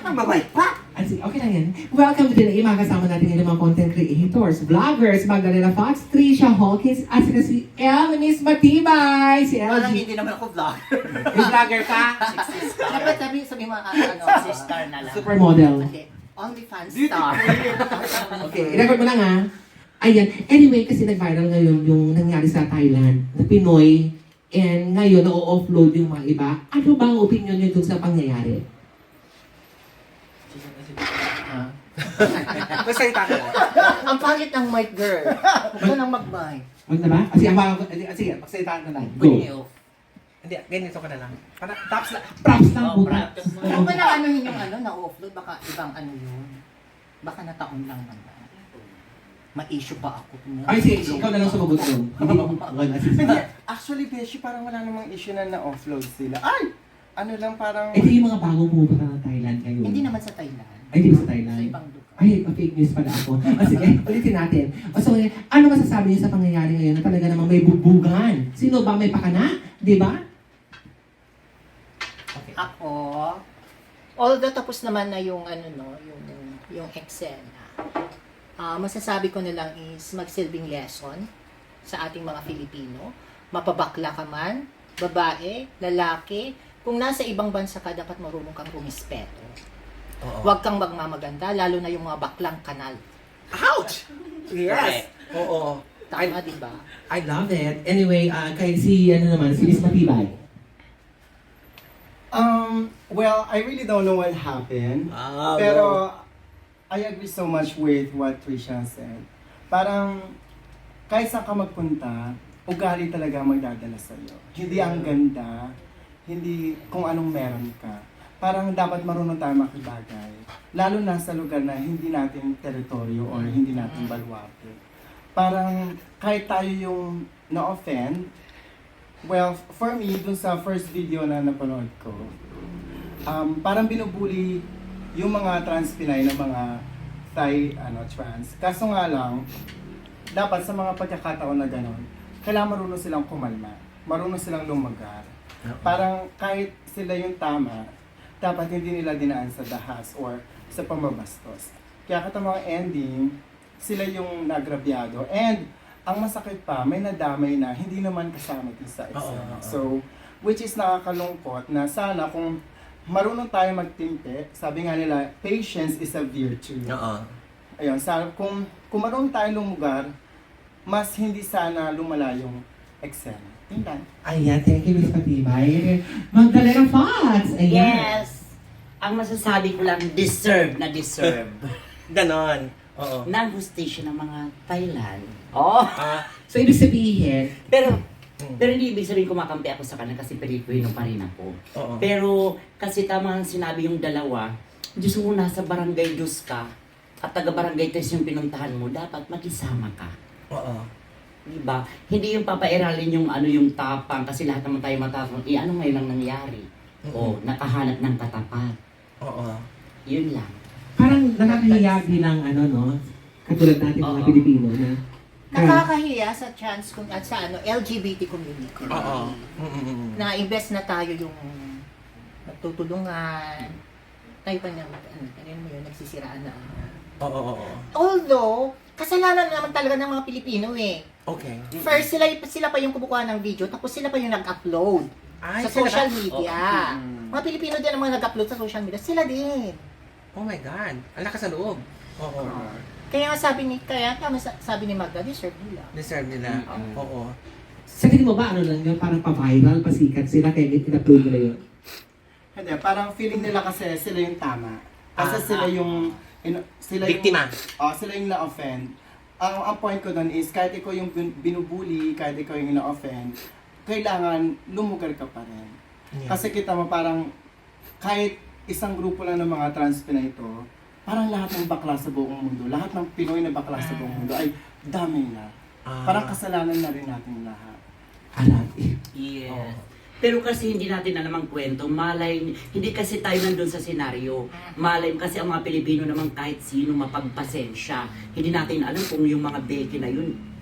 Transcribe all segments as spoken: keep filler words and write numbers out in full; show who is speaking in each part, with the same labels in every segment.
Speaker 1: Mamay pa!
Speaker 2: As in, okay lang yan. Welcome to Pinoy. Mga kasama natin ngayon mga content creators, vloggers, Magdalena Fox, Trisha Hawkins, at saka si El Miss Matibay. Si El
Speaker 1: Parang
Speaker 2: G.
Speaker 1: hindi naman ako vlogger.
Speaker 2: Yung vlogger ka?
Speaker 1: Dapat sabi sabi mga ano, si star na lang.
Speaker 2: Supermodel.
Speaker 1: Okay. Only fan star.
Speaker 2: Okay, i-record mo lang ha. Ayan. Anyway, kasi nag-viral ngayon yung nangyari sa Thailand na Pinoy and ngayon na-offload yung mga iba. Ano ba ang opinion nyo dun sa pangyayari?
Speaker 3: Magsalita ka lang.
Speaker 1: Ang pangit ng mic girl. Huwag ka nang mag-mic.
Speaker 2: Wag na ba? Kasi ang mga... Sige, magsalitaan ka lang. Go.
Speaker 1: Bunyo.
Speaker 3: Hindi, ganito ka na lang. Para tops lang.
Speaker 2: Props lang
Speaker 1: Oh,
Speaker 2: po.
Speaker 1: practice mo. Huwag mo na anuhin yung ano, na-offload. Baka ibang ano yun. Baka nataon lang naman. Ma-issue pa ako.
Speaker 2: Ay, sige, ikaw na lang sumagot doon. Hindi mo wala si
Speaker 4: Hindi, actually, Beshi, parang wala namang issue na na-offload sila. Ay! Ano lang, parang...
Speaker 2: Ito yung mga bagong pumunta ng Thailand ngayon.
Speaker 1: Hindi naman sa Thailand.
Speaker 2: Ay, hindi ba sa
Speaker 1: Sa
Speaker 2: Thailand?
Speaker 1: ibang lugar.
Speaker 2: Ay, pa-fake news pala ako. O sige, ulitin natin. O so, ano masasabi niyo sa pangyayari ngayon na talaga namang may bubugan? Sino ba may pakana? Di ba?
Speaker 1: Ako, although tapos naman na yung ano no, yung yung eksena. Ah, masasabi ko na lang is magsilbing lesson sa ating mga Filipino. Mapabakla ka man, babae, lalaki, kung nasa ibang bansa ka, dapat marunong kang rumispeto.
Speaker 3: Oo.
Speaker 1: Huwag kang magmamaganda, lalo na yung mga baklang kanal.
Speaker 3: Ouch! Yes! Oo.
Speaker 1: Tama, di ba?
Speaker 2: I love it. Anyway, uh, kay si, ano naman, si Miss Matibay.
Speaker 4: Um, well, I really don't know what happened.
Speaker 3: Ah,
Speaker 4: Pero, I agree so much with what Trisha said. Parang, kahit saan ka magpunta, ugali talaga ang magdadala sa'yo. Hindi ang ganda, hindi kung anong meron ka. Parang dapat marunong tayo makibagay. Lalo na sa lugar na hindi natin teritoryo or hindi natin baluarte. Parang kahit tayo yung na-offend, well, for me, dun sa first video na napanood ko, um, parang binubuli yung mga trans Pinay na mga Thai ano, trans. Kaso nga lang, dapat sa mga pagkakataon na gano'n, kailangan marunong silang kumalma. Marunong silang lumagar. Parang kahit sila yung tama, dapat hindi nila dinaan sa dahas or sa pamabastos. Kaya katamang ending, sila yung nagrabyado. And ang masakit pa, may nadamay na hindi naman kasama din sa
Speaker 3: Oo,
Speaker 4: eksena.
Speaker 3: oo.
Speaker 4: So, which is nakakalungkot na sana kung marunong tayo magtimpe, sabi nga nila, patience is a virtue.
Speaker 3: Oo.
Speaker 4: Ayun, sa, kung, kung marunong tayo lumugar, mas hindi sana lumala yung eksena. Yun lang.
Speaker 2: Ayan, thank you, Miss Matibay. Magdalena Fox! Ayan.
Speaker 5: Yes! Ang masasabi ko lang, deserve na deserve.
Speaker 3: Ganon. Oo.
Speaker 5: ng hustisya ng mga Thailand. Oh!
Speaker 3: Ah,
Speaker 2: So, ibig sabihin,
Speaker 5: Pero, pero hindi ibig sabihin kumakampi ako sa kanila kasi Pilipino pa rin ako.
Speaker 3: oo.
Speaker 5: Pero, kasi tama ang sinabi yung dalawa, Diyos mo nasa barangay Diyos ka, at taga-barangay Tres yung pinuntahan mo, dapat makisama ka.
Speaker 3: Oo.
Speaker 5: Diba? Hindi yung papairalin yung ano yung tapang kasi lahat naman tayo matapang. Eh ano ngayon ang nangyari? O nakahanap ng katapat.
Speaker 3: Oo.
Speaker 5: Yun lang.
Speaker 2: parang nakakahiya din ang ano, no? Katulad natin mga
Speaker 5: Oo.
Speaker 2: Pilipino na
Speaker 1: Nakakahiya sa chance kung at sa ano L G B T community.
Speaker 3: Oo. Mm-mm.
Speaker 1: Na invest na tayo yung magtutulungan. Tayo pa naman, ano, ano mo yun, nagsisiraan na.
Speaker 3: Oo, oo, oo.
Speaker 1: Although, kasalanan naman talaga ng mga Pilipino eh.
Speaker 3: Okay.
Speaker 1: First, sila, sila pa yung kumukuha ng video, tapos sila pa yung nag-upload
Speaker 3: Ay,
Speaker 1: sa
Speaker 3: sila
Speaker 1: social
Speaker 3: ba?
Speaker 1: media.
Speaker 4: Mm.
Speaker 1: Mga Pilipino din ang mga nag-upload sa social media, sila din.
Speaker 3: Oh my God. Ang lakas sa loob. Oo.
Speaker 1: Kaya nga sabi ni, kaya tama sa- sabi ni Magda, deserve nila.
Speaker 3: Deserve nila.
Speaker 5: Mm-mm.
Speaker 3: Oo.
Speaker 2: sa tingin mo ba, ano lang yun, parang pa-viral, pasikat sila, kaya in-upload nila yun?
Speaker 4: Hindi, parang feeling nila kasi sila yung tama. Kasi
Speaker 3: Ah,
Speaker 4: sila
Speaker 3: ah.
Speaker 4: yung... ino- sila
Speaker 3: Biktima.
Speaker 4: Yung, oh, sila yung na-offend. Ang, ang point ko doon is, kahit ikaw yung bin- binubuli, kahit ikaw yung na-offend, kailangan lumugar ka pa rin.
Speaker 3: Yeah.
Speaker 4: Kasi kita mo parang, kahit isang grupo lang ng mga trans Pinay ito, parang lahat ng bakla sa buong mundo, lahat ng Pinoy na bakla sa buong mundo, ay dami na.
Speaker 3: Ah.
Speaker 4: Parang kasalanan na rin natin lahat.
Speaker 2: Alam, eh,
Speaker 5: Yes.
Speaker 3: Oo.
Speaker 5: Pero kasi hindi natin na namang kwento, malay, hindi kasi tayo nandun sa senaryo. Malay, kasi ang mga Pilipino naman kahit sino mapagpasensya. Hindi natin alam kung yung mga beke na yun,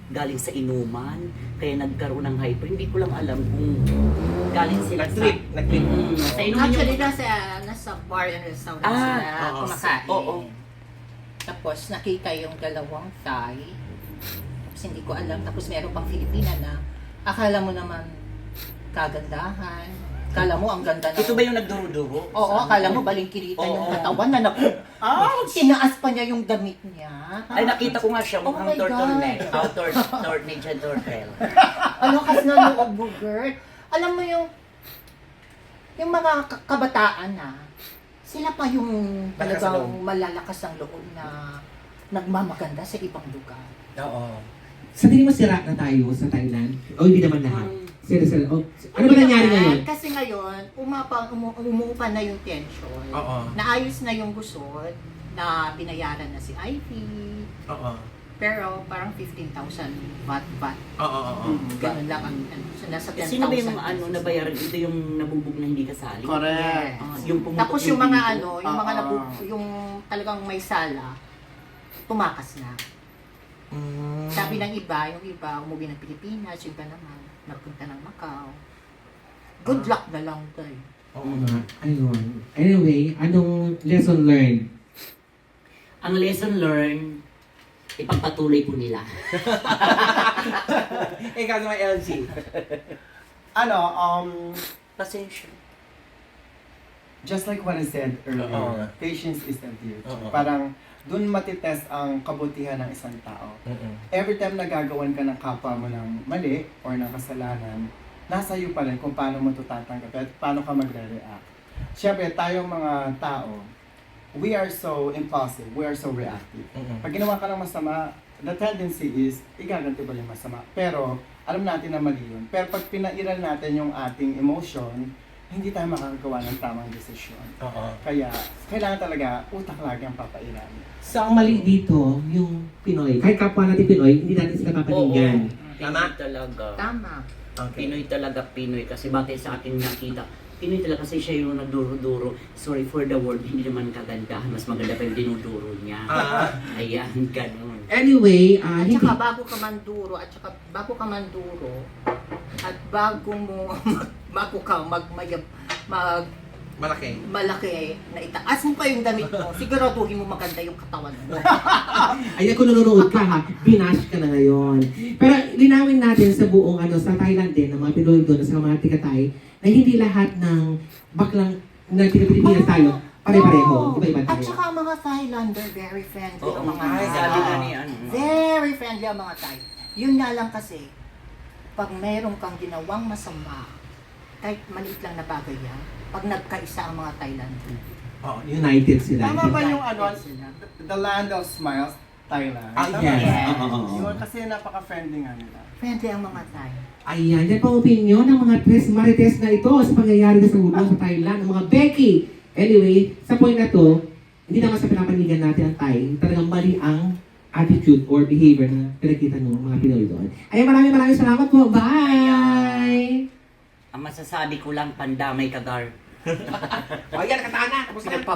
Speaker 5: galing sa inuman, kaya nagkaroon ng hyper. Hindi ko lang alam kung galing sila sa...
Speaker 3: Nag-trip, nag-trip.
Speaker 5: Mm, sa inuman
Speaker 1: Actually,
Speaker 5: yung...
Speaker 1: nasa, nasa bar and restaurant
Speaker 5: Ah,
Speaker 1: sila
Speaker 3: oo.
Speaker 1: kumakain.
Speaker 5: Oo.
Speaker 1: Tapos nakita yung dalawang Thai. Tapos hindi ko alam. Tapos meron pang Filipina na akala mo naman kagandahan. Akala mo ang ganda na.
Speaker 5: Ito ba yung nagduro-duro?
Speaker 1: Oo, akala mo balingkirita yung
Speaker 5: Oo.
Speaker 1: katawan na naku. Ah, tinaas pa niya yung damit niya.
Speaker 5: Ay, nakita ko nga siya,
Speaker 1: Oh
Speaker 5: mukhang
Speaker 1: my
Speaker 5: turtleneck.
Speaker 1: God.
Speaker 5: Oh, tur turtleneck and turtle.
Speaker 1: Ano kas na loob mo, Gert? Alam mo yung yung mga ka- kabataan na sila pa yung
Speaker 3: Malakas ang
Speaker 1: talagang
Speaker 3: loob.
Speaker 1: malalakas ang loob na nagmamaganda sa ibang lugar.
Speaker 3: Oo.
Speaker 2: Sa tingin mo sira na tayo sa Thailand? O hindi naman lahat?
Speaker 5: Um,
Speaker 2: Sira, sira. O, ano ba nangyari ngayon?
Speaker 1: Kasi ngayon, umapa, umu, umuupa na yung tension.
Speaker 3: Oo.
Speaker 1: Naayos na yung gusot, na binayaran na si Ivy.
Speaker 3: Oo.
Speaker 1: Pero parang fifteen thousand baht baht.
Speaker 3: Oo, oo, oo.
Speaker 1: Ganun lang ang ano, so nasa ten thousand.
Speaker 5: Sino ba yung ano, nabayaran? Ito yung nabubog na hindi kasali?
Speaker 4: Correct.
Speaker 5: Ah, yung pumutok
Speaker 1: Tapos yung mga
Speaker 5: dito.
Speaker 1: ano, yung mga
Speaker 4: Oo.
Speaker 1: nabu, yung talagang may sala, tumakas na.
Speaker 3: Mm.
Speaker 1: Sabi ng iba, yung iba umuwi ng Pilipinas, yung iba naman nagpunta ng Macau. Good
Speaker 3: Ah.
Speaker 1: luck na lang tayo.
Speaker 3: Oo.
Speaker 2: Uh, ayun. Anyway, anong lesson learned?
Speaker 5: Ang lesson learned, ipagpatuloy po nila.
Speaker 3: Ikaw sa may L G.
Speaker 4: Ano, um,
Speaker 5: Pasensya.
Speaker 4: just like what I said earlier,
Speaker 3: Oo.
Speaker 4: patience is the virtue.
Speaker 3: Oo.
Speaker 4: Parang dun matitest ang kabutihan ng isang tao.
Speaker 3: Mm-mm.
Speaker 4: Every time nagagawan ka ng kapwa mo ng mali or ng kasalanan, nasa iyo pa rin kung paano mo ito tatanggap at paano ka magre-react. Siyempre, tayong mga tao, we are so impulsive, we are so reactive.
Speaker 3: Mm-mm.
Speaker 4: Pag ginawa ka ng masama, the tendency is, igaganti ba yung masama? Pero, alam natin na mali yun. Pero pag pinairal natin yung ating emotion, hindi tayo makakagawa ng tamang desisyon.
Speaker 3: Oo.
Speaker 4: Kaya, kailangan talaga utak lagi ang papairal.
Speaker 2: So, ang mali dito, yung Pinoy. Kahit kapwa natin Pinoy, hindi natin sila papaningan.
Speaker 5: Pinoy talaga.
Speaker 1: Tama.
Speaker 3: Okay.
Speaker 5: Pinoy talaga Pinoy kasi bakit sa akin nakita Pinoy talaga kasi siya yung nagduro-duro. Sorry for the word, hindi naman kagandahan. Mas maganda pa yung dinuduro niya.
Speaker 3: Ah.
Speaker 5: Ayan, ganun.
Speaker 2: Anyway, ah,
Speaker 1: At
Speaker 2: hindi.
Speaker 1: saka bago ka manduro, at saka bago ka manduro, at bago mo, bago ka mag, mag, mag
Speaker 3: Malaki.
Speaker 1: malaki na itaas mo pa yung damit mo, siguraduhin mo maganda yung katawan mo.
Speaker 2: Ayan, kung nanonood ka ha, binash ka na ngayon. Pero linawin natin sa buong ano, sa Thailand din, ng mga Pinoy doon, sa mga tikatay, na hindi lahat ng baklang na Pilipinas tayo, pare-pareho. Iba-iba
Speaker 1: At
Speaker 2: tayo.
Speaker 1: saka ang mga Thailander, very friendly
Speaker 5: Oo,
Speaker 1: ang mga
Speaker 5: ay,
Speaker 1: Thai.
Speaker 5: sabi nga ni ano.
Speaker 1: Very friendly ang mga Thai. Yun nga lang kasi, pag meron kang ginawang masama, kahit maliit lang na bagay yan, pag nagkaisa ang mga Thailander.
Speaker 2: Oo, united sila.
Speaker 4: Tama ba yung ano,
Speaker 1: United sila.
Speaker 4: the land of smiles, Thailand?
Speaker 3: Ah,
Speaker 4: Tama
Speaker 2: yes.
Speaker 4: ba?
Speaker 2: Oo, oo, oo.
Speaker 4: Yun, kasi napaka-friendly nga nila.
Speaker 1: Friendly ang mga Thai.
Speaker 2: Ayan, yan po ang opinion ng mga tres marites na ito sa pangyayari sa ulo sa Thailand, ng mga Becky. Anyway, sa point na to, hindi naman sa pinapanigan natin ang Thai, talagang mali ang attitude or behavior na pinagkita ng mga Pinoy doon. Ayan, maraming maraming salamat po. Bye!
Speaker 5: Ang masasabi ko lang, pandamay kagar.
Speaker 3: O yan, katana. Tapos na.